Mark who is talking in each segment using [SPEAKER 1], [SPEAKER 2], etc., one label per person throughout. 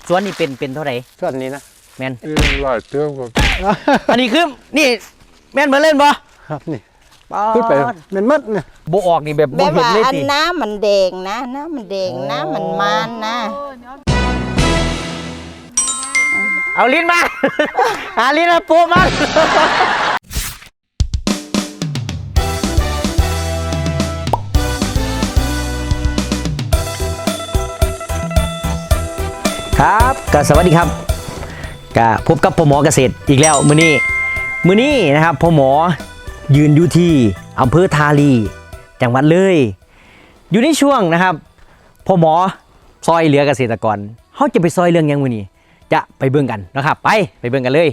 [SPEAKER 1] สวนนี่เป็นเท่าไหร่
[SPEAKER 2] ส่วนนี้นะ
[SPEAKER 1] แม่น
[SPEAKER 3] หลายเตื้อมครับ
[SPEAKER 1] อันนี้คือนี่แม่นเหมือนเล่นบ่
[SPEAKER 2] ครับนี่ขึ้นไปมันมัดเนี่ย
[SPEAKER 1] โบออกนี่แบบ
[SPEAKER 4] แบบ
[SPEAKER 1] เห็น
[SPEAKER 4] ว่า
[SPEAKER 1] เลย
[SPEAKER 4] อัน
[SPEAKER 1] สิ
[SPEAKER 4] น้ำมันแดงนะน้ำมันแดงน้ำมันมันนะ
[SPEAKER 1] เอาลิ้นมา หาลิ้นมาปูมาครับก็สวัสดีครับก็พบกับพ่อหมอเกษตรอีกแล้วมื้อนี้นะครับพ่อหมอยืนอยู่ที่อำเภอทาลีจังหวัดเลยอยู่ในช่วงนะครับพ่อหมอซอยเหลือเกษตรกรเขาจะไปซอยเรื่องยังมื้อนี้จะไปเบิ่งกันนะครับไปเบิ่งกันเลย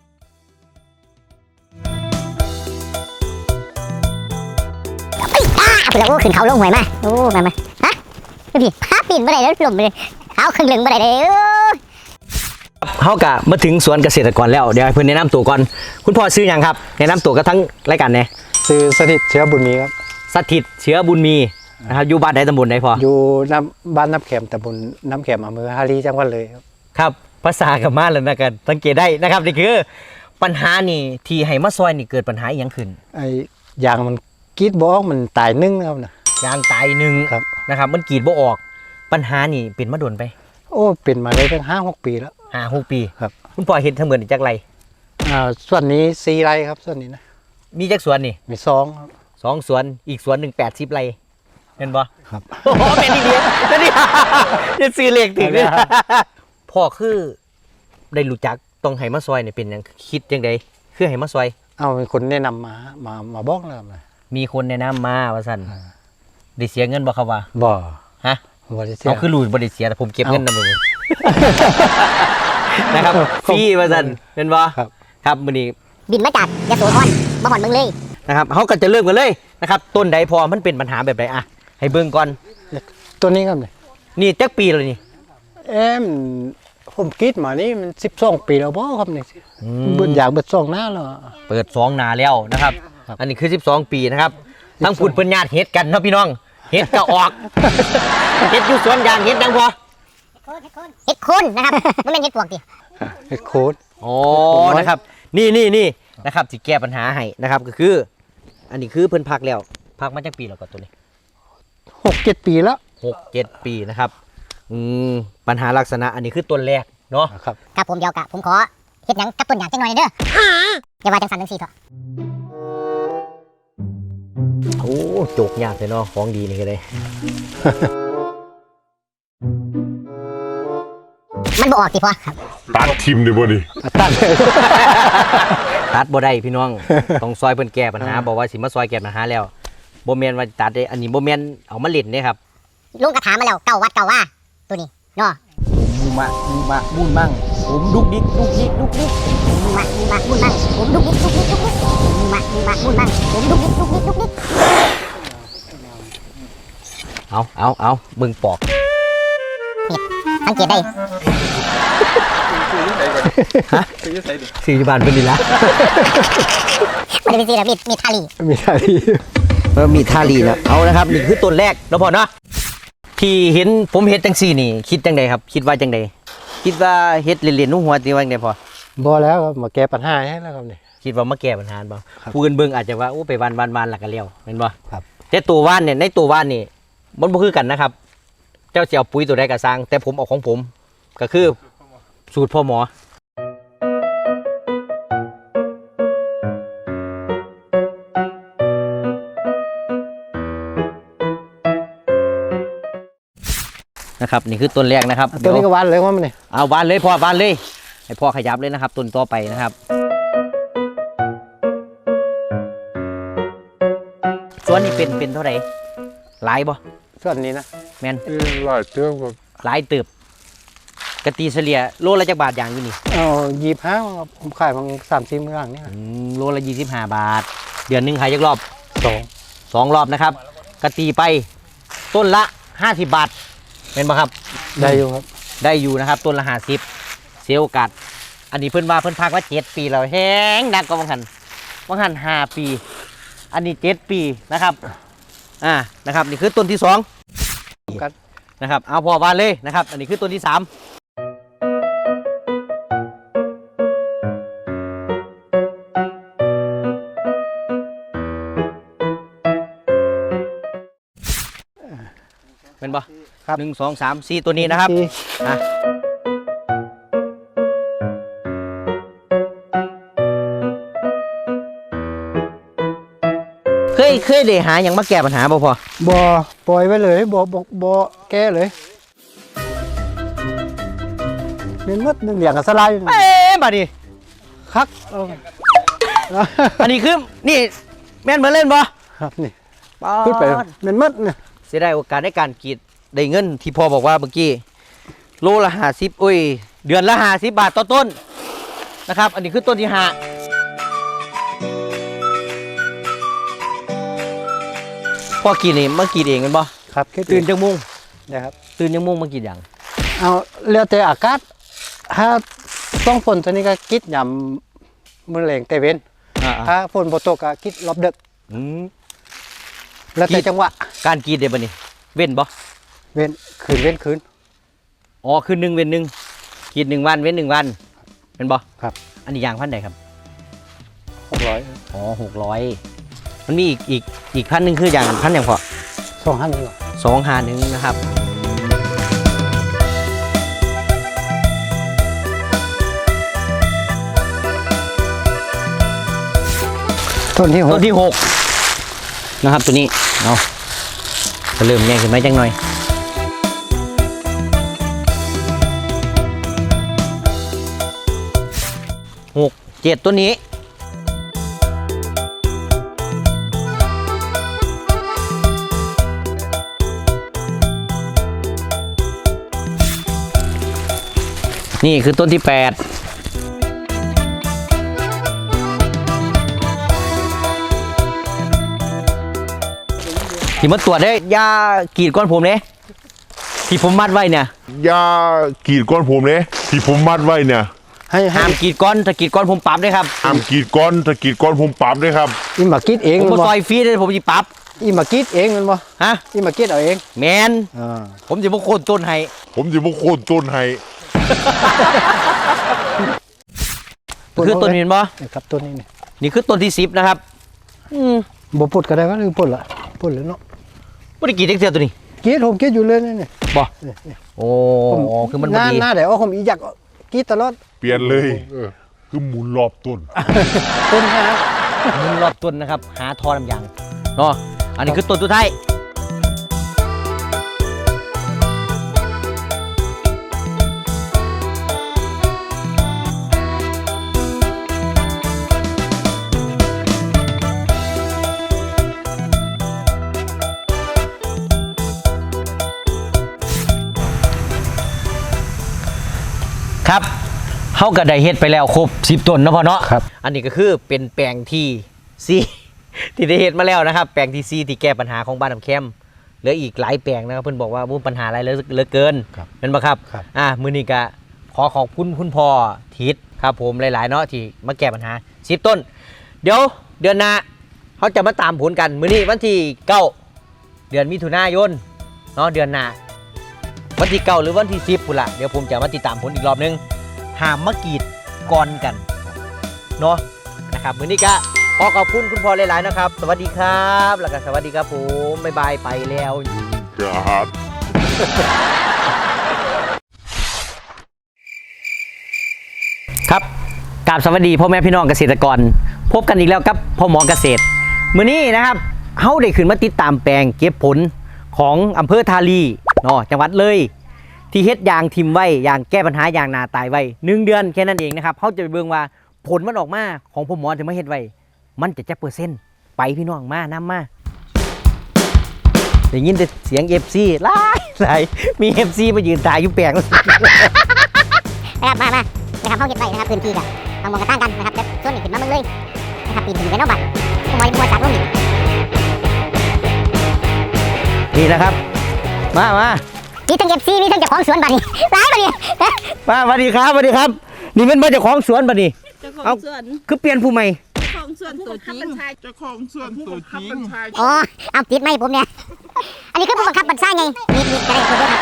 [SPEAKER 5] แล้วขึ้นเขาลงหวยมาโอ้มาฮะพี่พาปีนบ่ได้แล้วลมไปเลยเอาครึ่งหนึ่งบ่ได้เลย
[SPEAKER 1] เขากะมาถึงสวนเกษตรกรแล้วเดี๋ยวให้เพื่อนแนะนำตัวก่อนคุณพ่อซื้อยังครับแนะนำตัวกับทั้งรายการเนี่ย
[SPEAKER 2] ซื้อสถิตเชื้อบุญมีครับ
[SPEAKER 1] สถิตเชื้อบุญมีนะครับอยู่บ้านใดตำบลใดพอ
[SPEAKER 2] อยู่บ้านน้ำแขมตำบลน้ำแขมอำเภอฮารีจังหวัดเลยครับ
[SPEAKER 1] ครับภาษากับมาแล้วนะกันสังเกตได้นะครับนี่คือปัญหานี่ที่ให้มาซอยนี่เกิดปัญหาอย่างขึ้น
[SPEAKER 2] ไอ้ยางมันกีดบ่ออกมันตายนึ่งครับนะ
[SPEAKER 1] ยางตายหนึ่งนะครับมันกรีดบ่ออกปัญหานี่เป็นมาโดนไป
[SPEAKER 2] โอ้เป็นมาได้ตั้ง5-6 ปีแล้ว
[SPEAKER 1] 5-6 ปี
[SPEAKER 2] ครับ
[SPEAKER 1] คุณพ่อเห็นทั้งหมดจากไร
[SPEAKER 2] ส่วนนี้4 ไร่ครับส่วนนี้นะ
[SPEAKER 1] มีจักสวนนี่
[SPEAKER 2] มี2ครับ
[SPEAKER 1] 2 สวนอีกสวนหนึ่ง80 ไร่เห็นบ่
[SPEAKER 2] ครับ
[SPEAKER 1] โอ้โหเป็นอีกเดียวนี่จะซื้อเลขถึงเนี่ยพ่อคือได้รู้จักต้องให้มาซอยเนี่ยเป็นยังคิดยังไงคือให้มาซอย
[SPEAKER 2] เอาเป็นคนแนะนำมาบอกแล้วนะ
[SPEAKER 1] มีคนแนะนำมาว่าสั่นได้เสียเงินบ่ครับว่า
[SPEAKER 2] บ่
[SPEAKER 1] ฮะ
[SPEAKER 2] บ่ได้เสีย
[SPEAKER 1] เอาคือรู้บ่ได้เสียแต่ผมเก็บเงินนำเลยนะครับฟรีว่าสั่นเป็นบ่ครับมื้อนี้
[SPEAKER 5] บินมาจากยโสธรมาหอนเมืองเลย
[SPEAKER 1] นะครับเฮาก็จะเริ่มกันเลยนะครับต้นใดพอมันเป็นปัญหาแบบใดอ่ะให้เบิ่งก่อน
[SPEAKER 2] ตัวนี้ครับ
[SPEAKER 1] นี่จักปีแล้วนี่
[SPEAKER 2] ผมคิดมานี่มัน12 ปีแล้วบ่ครับนี่เบิ่งอย่างเบิด2 หน้าแล้ว
[SPEAKER 1] เปิด2 หน้าแล้วนะครับอันนี้คือ12 ปีนะครับทั้งพูดเพิ่นญาติเฮ็ดกันเนาะพี่น้องเฮ็ดก็ออกเฮ็ดอยู่สวนยางเฮ็ดดังพอ
[SPEAKER 5] เฮ็ดโคนนะครับมันเป็นเฮ็ดปวกดิ
[SPEAKER 2] เฮ็ดโคน
[SPEAKER 1] โอ้นะครับนี่นะครับสิแก้ปัญหาให้นะครับก็คืออันนี้คือเพิ่นพักแล้วพักมาจากปีแล้วก็ตัวนี้
[SPEAKER 2] 6-7 ปีแล้ว
[SPEAKER 1] 6-7 ปีนะครับปัญหาลักษณะอันนี้คือต้นแรกเนาะ
[SPEAKER 5] ครับผมเดียวกะผมขอเฮ็ดหยังกับต้นยางจังหน่อยเด้ออย่าว่าจังสั่นจังซี่เถอะ
[SPEAKER 1] โอ้โจกยากเลยเนาะของดีนี่ก็ได้
[SPEAKER 5] มันบ่ออกสิพ่อ
[SPEAKER 3] ตัดทิมดิบ่ดิ
[SPEAKER 1] ตัดบ่ได้พี่น้องต้องซอยเพิ่นแก้ปัญหาบอกว่าสิมาซอยแก้ปัญหาแล้วบ่แม่นว่าตัดได้อันนี้บ่แม่นเอามาเล่นเด้ครับ
[SPEAKER 5] ลุงก็ถามมาแล้วเก้าวัดเก้าว่าตัวนี้เนาะ
[SPEAKER 1] มูมะมูนมั่งผมดุกดิก
[SPEAKER 5] มูมะมูนมั่งผมดุกดิกมูมะมูนมั่งผมดุกดิก
[SPEAKER 1] เอาเบิ่งปอก
[SPEAKER 5] นี่สังเกตได้
[SPEAKER 1] ฮะซื้อบ้านเพิ่นนี่ล่ะ
[SPEAKER 5] มันเป็นสิล่ะมีทาลี
[SPEAKER 1] มีทาลีนะเอานะครับนี่คือต้นแรกเนาะพ่อเนาะที่เห็นผมเฮ็ดจังซี่นี่คิดจังไดครับคิดว่าจังไดคิดว่าเฮ็ดเล่นๆนุ่งหัวตีว่าจังไดพอ
[SPEAKER 2] บ่แล้วครับมาแก้ปัญหาให้แล้วครับนี่
[SPEAKER 1] คิดว่ามาแก้ปัญหาบ่ผู้อื่นเบิ่งอาจจะว่าโอ้ไปวันแล้วก็แล้วแม่นบ่
[SPEAKER 2] ครับ
[SPEAKER 1] แต่ตัวว่านเนี่ยในตัวว่านนี่มันบ่คือกันนะครับเจ้าสิเอาปุ๋ยตัวใดก็สร้างแต่ผมเอาของผมก็คือสูตรพ่อหมอนะครับนี่คือต้นแรกนะครับ
[SPEAKER 2] ตัวนี้ก็วานเลยว่ามันนี่
[SPEAKER 1] เอาวานเลยพ่อวานเลยให้พ่อขยับเลยนะครับต้นต่อไปนะครับส่วนนี้เป็นเท่าไหร่หลายบ่
[SPEAKER 2] ส่วนนี้นะ
[SPEAKER 1] แม่น
[SPEAKER 3] หลายเตื้อมครับ
[SPEAKER 1] หลายตึบกะตีเฉลี่ยโลละจักบาทอย่างอยู่นี่
[SPEAKER 2] 25ครับผมขายมา3-4 มื้อหลังนี่
[SPEAKER 1] โลละ25 บาทเดือนนึงขายจักรอบ2รอบนะครับกะตีไปต้นละ50 บาทเป็นป่ะครับ
[SPEAKER 2] ได้อยู่ครับ
[SPEAKER 1] ได้อยู่นะครับต้นละ50เสียโอกาสอันนี้เพิ่นว่าเพิ่นพักว่า7 ปีแล้วแห้งดักก็บางหัน5 ปีอันนี้7 ปีนะครับนะครับนี่คือต้นที่2นะครับเอาพอวานเลยนะครับอันนี้คือต้นที่3
[SPEAKER 2] ครับ
[SPEAKER 1] 1 2 3 4ตัวนี้นะครับ
[SPEAKER 2] สี่
[SPEAKER 1] อ่ะเคยได้หาอย่างมาแก้ปัญหาบ่พอ
[SPEAKER 2] บ่ปล่อยไว้เลยบ่แก้เลยเป็นมดหนึ่งอย่างกับสลาย
[SPEAKER 1] เอ๊ะบัดนี้
[SPEAKER 2] คักเอา
[SPEAKER 1] อันนี้คือนี่แม่นเหมือนเล่นบ่
[SPEAKER 2] ครับนี่
[SPEAKER 1] ป๊า
[SPEAKER 2] ขึ้นไป
[SPEAKER 1] ด
[SPEAKER 2] เป็นมดเนี่ย
[SPEAKER 1] เสียดายโอกาสในการกรีดได้เงินที่พ่อบอกว่าเมื่อกี้โลละ50อุ้ยเดือนละ50 บาทต่อต้นนะครับ อันนี้คือต้นที่5พ่อกรีดนี่มากรีดเองกันบ่
[SPEAKER 2] ครับคิด
[SPEAKER 1] ตื่นจังมุ่ง
[SPEAKER 2] นะครับ
[SPEAKER 1] ตื่นจังมุ่งมากรีดอย่าง
[SPEAKER 2] เอาแล้วแต่อากาศถ้าต้องฝนตัวนี้ก็คิดยำมื้อแรงแต่เว้น
[SPEAKER 1] อ่า
[SPEAKER 2] ถ้าฝนบ่ตกก็คิดรอบดึก
[SPEAKER 1] อืม
[SPEAKER 2] แล้วแต่จังหวะ
[SPEAKER 1] การกรีดได้บ่นี่เว้นบ่
[SPEAKER 2] เว้นคืน
[SPEAKER 1] อ๋อคือ1เว้น1กรีด1วันเว้น1วันเป็นบ่
[SPEAKER 2] ครับ
[SPEAKER 1] อันนี้ยางพันธุ์ใดครับ
[SPEAKER 2] 600
[SPEAKER 1] อ๋อ600มันมีอีกพันธุ์หนึงคืออย่างพันธุ์หยังพอ
[SPEAKER 2] 2,500นี่หรอ
[SPEAKER 1] 251นะครับ
[SPEAKER 2] ต้นที่
[SPEAKER 1] ต้นที่6นะครับตัวนี้เอาจะเริ่มแย่งขึ้นไหมจังหน่อย6 7ตัวนี้นี่คือต้นที่ 8ที่มาตรวจได้ยากรีดก้อนผมเนี่ยที่ผมมัดไว้เนี่ย
[SPEAKER 3] ยากรีดก้อนผมเนี่ยที่ผมมัดไว้เนี่ย
[SPEAKER 2] ให้
[SPEAKER 1] ห้ามกรีดก้อนถ้ากรีดก้อนผมปรับด้วยครับ
[SPEAKER 3] ห้ามกรีดก้อนถ้ากรีดก้อนผมปรับด้วยครับ
[SPEAKER 2] อีหมาคิดเอง
[SPEAKER 1] ผม
[SPEAKER 2] มัน
[SPEAKER 1] มา
[SPEAKER 2] บ่
[SPEAKER 1] ซอยฟรีเลยผมจะปรับ
[SPEAKER 2] อีหมาคิดเองมันบ่
[SPEAKER 1] ฮะ
[SPEAKER 2] อีหมาคิดเอาเอง
[SPEAKER 1] แมน
[SPEAKER 2] อ่า
[SPEAKER 1] ผมจะมาโค่นต้นให้
[SPEAKER 3] ผมจะมาโค่นต้นให้
[SPEAKER 1] คือต้นเห็นบ่
[SPEAKER 2] นี่ครับต้นนี้นี่
[SPEAKER 1] นี่คือต้นที่10นะครับ
[SPEAKER 2] บ่พูดก็ได้ว่าหรือพูดละพูดเลยเนาะ
[SPEAKER 1] ไม่ได้กรีดเสียตัวนี้
[SPEAKER 2] คิดผมคิดอยู่เลยนี่
[SPEAKER 1] บ่
[SPEAKER 2] นี่
[SPEAKER 1] โอ้คือมัน
[SPEAKER 2] ห
[SPEAKER 1] บ่
[SPEAKER 2] น้า
[SPEAKER 1] ดี
[SPEAKER 2] หน้าเดี๋ยวผมอีอยากคิดตลอด
[SPEAKER 3] เปลี่ยนเลยคือหมุนรอบต้น
[SPEAKER 2] ต้นหา
[SPEAKER 1] มันรอบต้นนะครับ หาทอน้ำยางเนาะอันนี้คือต้นสุดท้ายครับเฮาก็ได้เฮ็ดไปแล้วครบ10ต้นเนาะพ่อเนาะ
[SPEAKER 2] ครับ
[SPEAKER 1] อันนี้ก็คือเป็นแปลงที่ซีที่ได้เฮ็ดมาแล้วนะครับ แปลงที่ซีที่แก้ปัญหาของบ้านน้ำแคมเหลืออีกหลายแปลงนะครับเพิ่นบอกว่ามีปัญหาอะไรเหลือเกิน
[SPEAKER 2] ครับ
[SPEAKER 1] เป็นบ่ครับ
[SPEAKER 2] ครับ
[SPEAKER 1] มื้อนี้ก็ขอขอบคุณคุณพ่อทิศครับผมหลายๆเนาะที่มาแก้ปัญหา10ต้น เดี๋ยวเดือนหน้าเขาจะมาตามผลกันมื้อนี้วันที่9เดือนมิถุนายนเนาะเดือนหน้าวันที่9หรือวันที่10พุ่นล่ะเดี๋ยวผมจะมาติดตามผลอีกรอบนึงห้ามมากรีดก่อนกันเนาะนะครับมื้อนี้ก็ขอขอบคุณคุณพ่อหลายๆนะครับ สวัสดีครับแล้วก็สวัสดีครับผมบ๊ายบายไปแล้ว
[SPEAKER 3] ครับ
[SPEAKER 1] ครับกราบสวัสดีพ่อแม่พี่น้องเกษตรกร พบกันอีกแล้วกับพ่อหมอเกษตรมื้อนี้นะครับเฮาได้ขึ้นมาติดตามแปลงเก็บผลของอำเภอทาลีเนาะจังหวัดเลยที่เฮ็ดยางทิมไว้ยางแก้ปัญหายางนาตายไว้1เดือนแค่นั้นเองนะครับเฮาจะไปเบิ่งว่าผลมันออกมาของพ่อหมอที่มาเฮ็ดไว้มันจะจักเปอร์เซ็นต์ไปพี่น้องมานํมาได้ยินแต่เสียง FC หลายมี FC มายืนถ่ายอยู่แปลง
[SPEAKER 5] นะครับมานะครับเขาเก็บไว้นะครับพื้นที่กับทางมองกระตั้งกันนะครับแล้วส่วนนี้ขึ้นมาเบิ่งเลยนะครับปีนขึ้นไปนอกบ้านผมว่าจัดลงนี่
[SPEAKER 1] นี่นะครับมา
[SPEAKER 5] มีทั้งเก็บซีมีทั้งเจ้าของสวนบ้านนี่ร้ายบ้านนี่
[SPEAKER 1] มาสวัสดีครับสวัสดีครับ นี่เป็นมาเจ้าของสวนป่ะนี่
[SPEAKER 6] เจ้าขอ
[SPEAKER 1] เอา
[SPEAKER 6] งสวน
[SPEAKER 1] คือเปลี่ยนผู้ใหม่
[SPEAKER 6] เจ้าของสวนตัวจริงเจ้าของสวนตัวจริง
[SPEAKER 5] อ๋อเอาติดไหมผมเนี่ยอันนี้คือผู้บังคับบัญชาไงนี่กระไรคนเดียว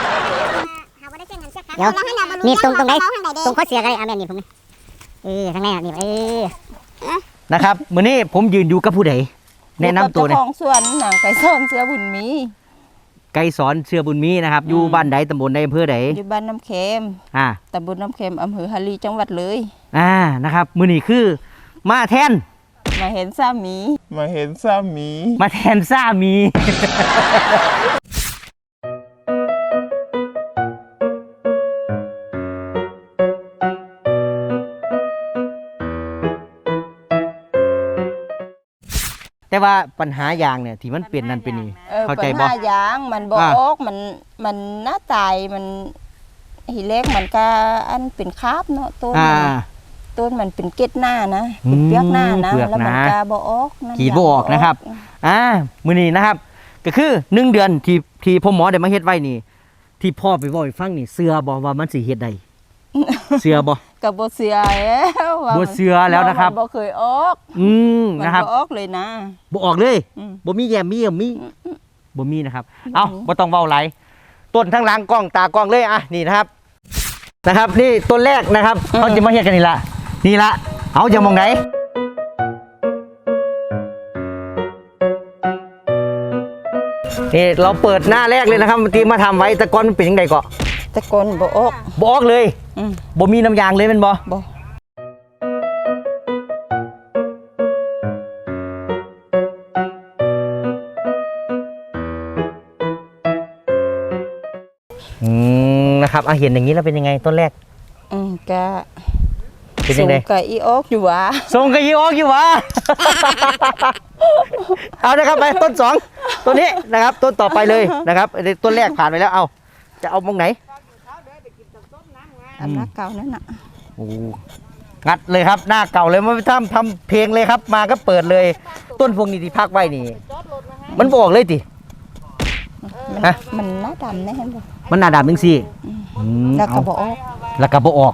[SPEAKER 5] ครับเดี๋ยวนี่ตรงไหนตรงข้อเสียกระไรเอาแม่นี่ผมนี่ทางไหนนี่
[SPEAKER 1] นะครับมื้อนี้ผมยืนอยู่กับผู้ใดแนะนำตัวหน่อย
[SPEAKER 6] เจ้าของสวนหนังไก่ซ่อนเสือบุญมี
[SPEAKER 1] ไกสอนเชื่อบุญมีนะครับอยู่บ้านใดตำบลใดอำเภอใด
[SPEAKER 4] อยู่บ้านน้ำเค็ม
[SPEAKER 1] อ่า
[SPEAKER 4] ตำบลน้ำเค็มอำเภอฮารีจังหวัดเลย
[SPEAKER 1] นะครับมื้อนี้คือมาแทน
[SPEAKER 4] มาเห็นสามี
[SPEAKER 6] มาเห็นสามี
[SPEAKER 1] มาแทนสามี แต่ว่าปัญหาอย่างเนี่ยที่มันเปลี่ยนนั่นเป็นนี่เข้าใจ
[SPEAKER 4] ปัญ
[SPEAKER 1] บ่
[SPEAKER 4] หาหยางมันบ่
[SPEAKER 1] อ่า
[SPEAKER 4] ออกมันหน้าตายมันหีเล็กมันก็อันเป็นคราบเนาะต้น
[SPEAKER 1] อ่า
[SPEAKER 4] ต้นมันเป็นเกล็ดหน้านะเป็นเปลือกหน้านะ
[SPEAKER 1] เปลือก
[SPEAKER 4] แล้วมัน
[SPEAKER 1] หนา
[SPEAKER 4] ก็บ่ออกน้ำ
[SPEAKER 1] ขีดบ่ออกนะครับ มื้อนี้นะครับ ก็คือ1เดือนที่พ่อหมอได้มาเฮ็ดไว้นี่ ที่พ่อไปเว้าให้ฟังนี่เชื่อบ่ว่ามันสิเฮ็ดได้ เชื่อบ่
[SPEAKER 4] ก็บ่เสือแล้วว่า
[SPEAKER 1] บ่เชื่อแล้วนะครับ
[SPEAKER 4] มันบ่เคยออก มัน
[SPEAKER 1] นะครับ
[SPEAKER 4] บ่ออกเลยนะ
[SPEAKER 1] บ่ออกเลย
[SPEAKER 4] อืม
[SPEAKER 1] บ่มีแยมมีบ่มีนะครับ เอ้าบ่ต้องเว้าหลายต้นทั้งหลังกล้องตากล้องเลยอ่ะนี่นะครับนี่ต้นแรกนะครับเขาจะมาเฮ็ดกันนี่ละเอาจะมองไหนนี่เราเปิดหน้าแรกเลยนะครับที่มาทำไว้แต่ก่อนมันเป็นยังไงเกาะ
[SPEAKER 4] แต่ก่อนบ่ออก
[SPEAKER 1] บ่ออกเลย
[SPEAKER 4] อืม
[SPEAKER 1] บ่มีน้ำยางเลยแมันบ่
[SPEAKER 4] บ่
[SPEAKER 1] นะครับเห็นอย่างนี้แล้วเป็นยังไงต้นแรก
[SPEAKER 4] ก็
[SPEAKER 1] เป็นยังไง
[SPEAKER 4] สูก็อีออกอยู่หว่า
[SPEAKER 1] ส่งกระยีออกอยู่วะ เอานะครับไปต้นสองต้นนี้นะครับต้นต่อไปเลยนะครับต้นแรกผ่านไปแล้วเอาจะเอามองไหน
[SPEAKER 4] อันนั้นเก่านั่นน่ะ
[SPEAKER 1] โอ้งัดเลยครับหน้าเก่าเลยมาทำเพลงเลยครับมาก็เปิดเลย ต้นพวกนี้ที่พักไว้นี่ มันบอกเลยติ
[SPEAKER 4] มัน
[SPEAKER 1] ฮะ
[SPEAKER 4] มันหน้าดำแน่เห็นบ่
[SPEAKER 1] มันหนาดำจังซี่
[SPEAKER 4] แล้วก็
[SPEAKER 1] เอา
[SPEAKER 4] บ่ออก
[SPEAKER 1] แล้วก็บ่ออก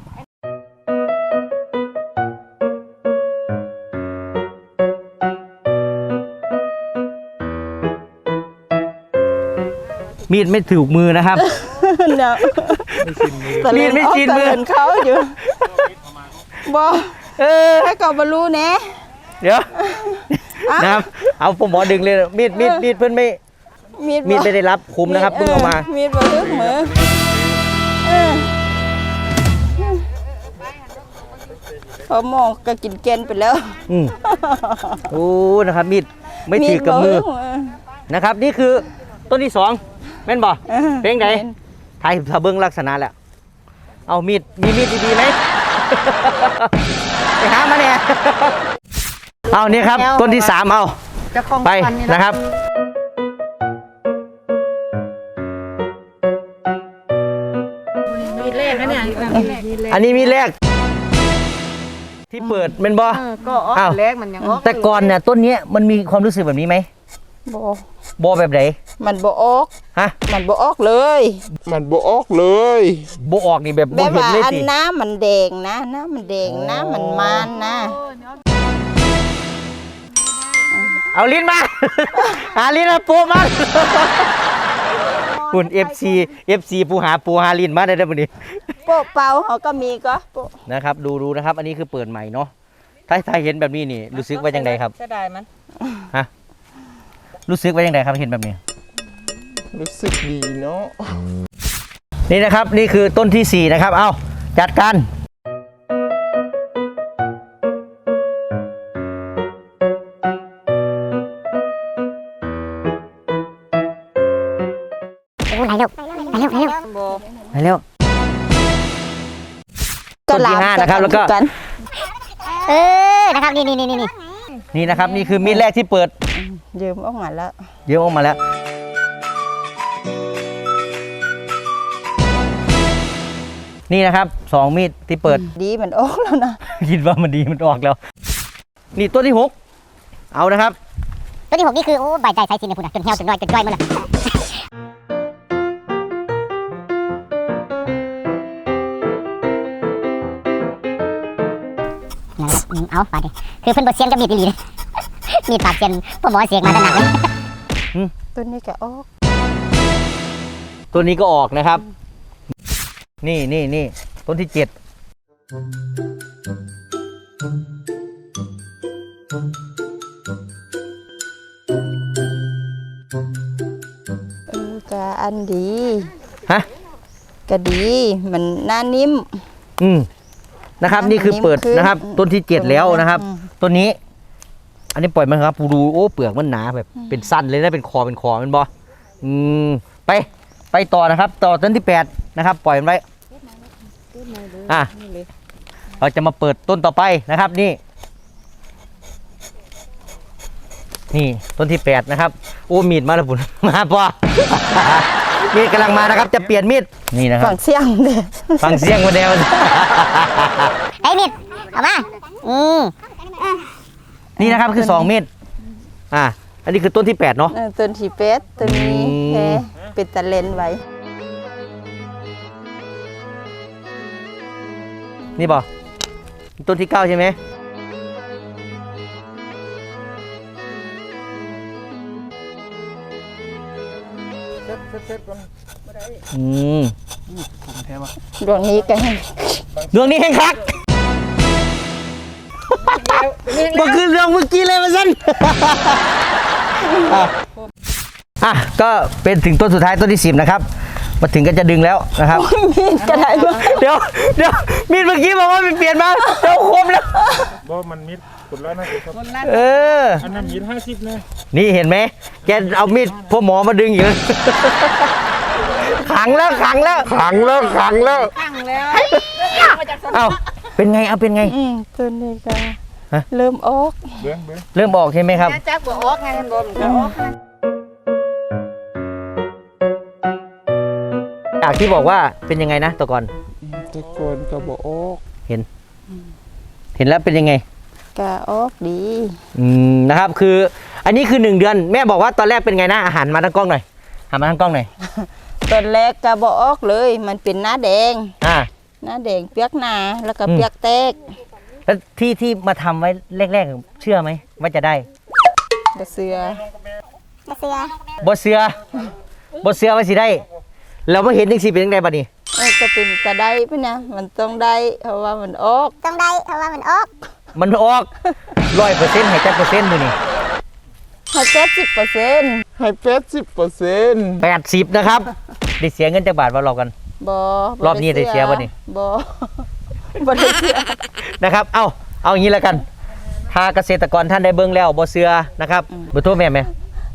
[SPEAKER 1] มีดไม่ถูกมือนะครับ
[SPEAKER 4] เนาะ
[SPEAKER 1] มีดไม่ชินมือ
[SPEAKER 4] ตะเล่นเขาอยู่บ่ให้ก็บ่รู้แหน่
[SPEAKER 1] เดี๋ยวนะครับเอาผมหมอดึงเลยมีดเพื่อนไม่
[SPEAKER 4] มีด
[SPEAKER 1] มีดไม่ได้รับคุมนะครับเพิ่งเอามา
[SPEAKER 4] มีดบ่ลึกมือเออพอหมองก็กินเกนไปแล้ว
[SPEAKER 1] โอ้นะครับมีดไม่ถือกับมือ
[SPEAKER 4] ดบ่ลึก
[SPEAKER 1] นะครับ นี่คือต้นที่สองแม่นบ่
[SPEAKER 4] ออ
[SPEAKER 1] เพลงไหนไทยถ้าเบิ้งลักษณะแล้วเอามีดดีๆไหม ไปหามาเนี่ยเอานี่ครับต้นที่สามเอาไปนะครับ
[SPEAKER 7] มีเลขนะเนี่ย
[SPEAKER 1] อันนี้มีแรกที่เปิดเป็นบ่
[SPEAKER 7] ก็ออก
[SPEAKER 1] อ้าว
[SPEAKER 7] เลขมันยังออก
[SPEAKER 1] แต่ก่อนเนี่ยต้นเนี้ยมันมีความรู้สึกแบบนี้ไหม
[SPEAKER 4] บ่
[SPEAKER 1] บ่แบบไหน
[SPEAKER 4] มันบ่ออก
[SPEAKER 1] ฮะ
[SPEAKER 4] มันบ่ออกเลย
[SPEAKER 6] มันบ่ออกเลย
[SPEAKER 1] บ่ออกนี่แบบ
[SPEAKER 4] แบ
[SPEAKER 1] บ่
[SPEAKER 4] บ
[SPEAKER 1] เห็น
[SPEAKER 4] ว่า
[SPEAKER 1] เลย
[SPEAKER 4] อัน
[SPEAKER 1] สิ
[SPEAKER 4] น้ำมันแดงนะน้ำมันแดงน้ำมันมันนะ
[SPEAKER 1] เอาลิ้นมา หาลิ้นมาปูมาคุณ FC ปูหาลิ้นมาได้มื้อนี้
[SPEAKER 4] โปะเป่าเขาก็มีก็โปะ
[SPEAKER 1] นะครับดูนะครับ อันนี้คือเปิดใหม่เนาะถ้าเห็นแบบนี้นี่รู้สึกว่าจังไดครับ
[SPEAKER 7] จะได้มัน
[SPEAKER 1] ฮะรู้สึกว่าจังไดครับเห็นแบบนี้
[SPEAKER 6] รู้สึกดีเนาะ
[SPEAKER 1] นี่นะครับนี่คือต้นที่ 4 นะครับ เอาจัดการไปเร็วต้นที่ 5 นะครับ แล้วก็
[SPEAKER 4] กัน
[SPEAKER 5] นะครับนี่
[SPEAKER 1] นี่นะครับ นี่คือมีดแรกที่เปิด
[SPEAKER 4] ยืมออกมาแล้ว
[SPEAKER 1] เยอะออกมาแล้ว นี่นะครับ2 มีดที่เปิด
[SPEAKER 4] ดีมันออกแล้วนะ
[SPEAKER 1] คิดว่ามันดีมันออกแล้ว นี่ต้นที่ 6 เอานะครับ
[SPEAKER 5] ตัวที่ 6 นี่คือ โอ้ใบใจใส่สินเนี่ยพุ่นจนเหี่ยวจนน้อยจนจ้อยหมดละเอาปาดิคือเพิ่นบ่เซียนกับมีดอีหลีเลยมีดปากเซียนพ่อหมอเสียงมาตะหนักเลย
[SPEAKER 4] ต้นนี้ก็ออก
[SPEAKER 1] ตัวนี้ก็ออกนะครับ นี่ต้นที่ 7
[SPEAKER 4] ก็ออันดี
[SPEAKER 1] ฮะ
[SPEAKER 4] ก็ดีมันหน้านิ่ม
[SPEAKER 1] นะครับนี่คือเปิดนะครับ ต้นที่ 7แล้วนะครับต้นนี้ อันนี้ปล่อยมันครับดูโอ้เปลือกมันหนาแบบเป็นสั้นเลยนะเป็นคอมันบอไปต่อนะครับ ต่อต้นที่ 8นะครับ ปล่อยมันไว้เราจะมาเปิดต้นต่อไปนะครับนี่ต้นที่ 8นะครับโอ้มีดมาแล้วปุ่นมาป่ะ มีดกำลังมานะครับ จะเปลี่ยนมีดนี่นะครับ
[SPEAKER 4] ฝั่งเสียงเด้อ
[SPEAKER 1] ฟังเสียงมาแนว
[SPEAKER 5] ไอ้มิดเอามา
[SPEAKER 1] นี่นะครับคือ2เม็ดอันนี้คือต้นที่ 8เนาะ
[SPEAKER 4] ต้นที่เป็ดต้นนี้แค่เป็นตะเลนไว้
[SPEAKER 1] นี่บ่ต้นที่ 9ใช่ไหม
[SPEAKER 4] ดวงนี้ก็ให้
[SPEAKER 1] เรื่องนี้แห้งคักบ่คือเรื่องเมื่อกี้เลยมาสั้น ก็เป็นถึงต้นสุดท้ายต้นที่ 10นะครับมาถึงก็จะดึงแล้วนะครับ
[SPEAKER 4] มีดก็ได้บ่
[SPEAKER 1] เดี๋ยวมีดเมื่อกี้บอกว่ามันเปลี่ยนมาเดี๋ยวคมแล้ว
[SPEAKER 6] บ่มันมิดคนละนะครั อันนั้นมิด50นะ
[SPEAKER 1] นี่เห็นไหมแกเอามีดพ่อหมอมาดึงอยู่ ขังแล้ว เอ้าเป็นไงเป็นไง
[SPEAKER 4] ต้นนี้ก็
[SPEAKER 1] ฮะ
[SPEAKER 4] เริ่มออก
[SPEAKER 6] เบิ้ง
[SPEAKER 1] เริ่มออกใช่ไหมครับ
[SPEAKER 7] จักบ่ออกไงมันบ่มันก็ออก
[SPEAKER 1] จากที่บอกว่าเป็นยังไงนะตัวก่อน
[SPEAKER 6] ตะโกนก็บ่ออก
[SPEAKER 1] เห็นแล้วเป็นยังไง
[SPEAKER 4] ก็ออกดี
[SPEAKER 1] นะครับคืออันนี้คือ1 เดือนแม่บอกว่าตอนแรกเป็นไงนะอาหารมาทางกล้องหน่อยหันมาทางกล้องหน่อย
[SPEAKER 4] ต้นแรกก็บ่ออกเลย มันเป็นหน้าแดง หน้าแดงเปียกหนาแล้วก็เปียกแตก
[SPEAKER 1] แล้วที่มาทำไว้แรกๆเชื่อไหมว่าจะได้
[SPEAKER 4] บ่เสือ
[SPEAKER 1] บ่เสือว่าสิได้เราไม่เห็นจังสิเป็นยังไงบัดนี้
[SPEAKER 4] ก็เป็นก็ได้พุ่นนะมันต้องได้เพราะว่ามันออก
[SPEAKER 1] มันออก 100%ให้จักเปอร์เซ็นต์มื้อนี้
[SPEAKER 4] ให้70%
[SPEAKER 6] ให้80%
[SPEAKER 1] 80นะครับได้เสียเงินจักบาทว่าเรากัน
[SPEAKER 4] บ่
[SPEAKER 1] รอบนี้ได้เสียบ่นี่
[SPEAKER 4] บ่ได้เสีย
[SPEAKER 1] นะครับเอาอย่างนี้แล้วกันถ้าเกษตรกรท่านได้เบิ่งแล้วบ่เสือนะครับเบอร์โทรแม่ไหม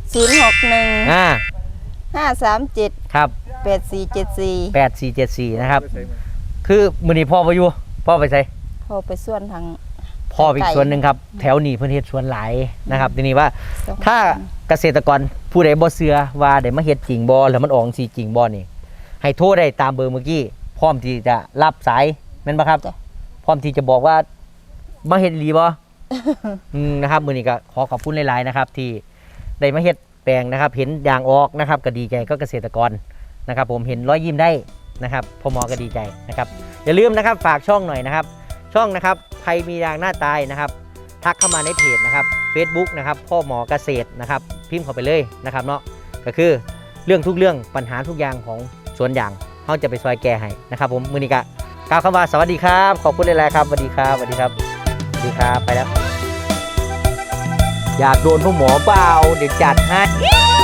[SPEAKER 4] 061 537
[SPEAKER 1] ครับ
[SPEAKER 4] 8474
[SPEAKER 1] 8474นะครับคือมื้อนี้พ่อบ่อยู่พ่อไปไส
[SPEAKER 4] พอไปส่วนทาง
[SPEAKER 1] พ่ออีกส่วนหนึ่งครับแถวนี้เพิ่นเฮ็ดสวนหลายนะครับทีนี้ว่าถ้าเกษตรกรผู้ใดบ่เชื่อว่าได้มาเฮ็ดจริงบ่แล้วมันออกสิจริงบ่นี่ให้โทรได้ตามเบอร์เมื่อกี้พร้อมที่จะรับสายแม่นบ่ครับพร้อมที่จะบอกว่ามาเฮ็ดอีหลีบ่ นะครับมื้อนี้ก็ขอขอบคุณหลายๆนะครับที่ได้มาเฮ็ดแปลงนะครับเห็นยางออกนะครับก็ดีใจก็เกษตรกรนะครับผมเห็นรอยยิ้มได้นะครับพ่อหมอก็ดีใจนะครับอย่าลืมนะครับฝากช่องหน่อยนะครับช่องนะครับใครมียางหน้าตายนะครับทักเข้ามาในเพจนะครับ Facebook นะครับพ่อหมอเกษตรนะครับพิมพ์เข้าไปเลยนะครับเนาะก็คือเรื่องทุกเรื่องปัญหาทุกอย่างของสวนยางเขาจะไปซอยแก้ให้นะครับผมมือนี้ก็กล่าวคำว่าสวัสดีครับขอบคุณหลายๆครับสวัสดีครับสวัสดีครับสวัสดีครับไปแล้วอยากโดนพ่อหมอเปล่าเดี๋ยวจัดให้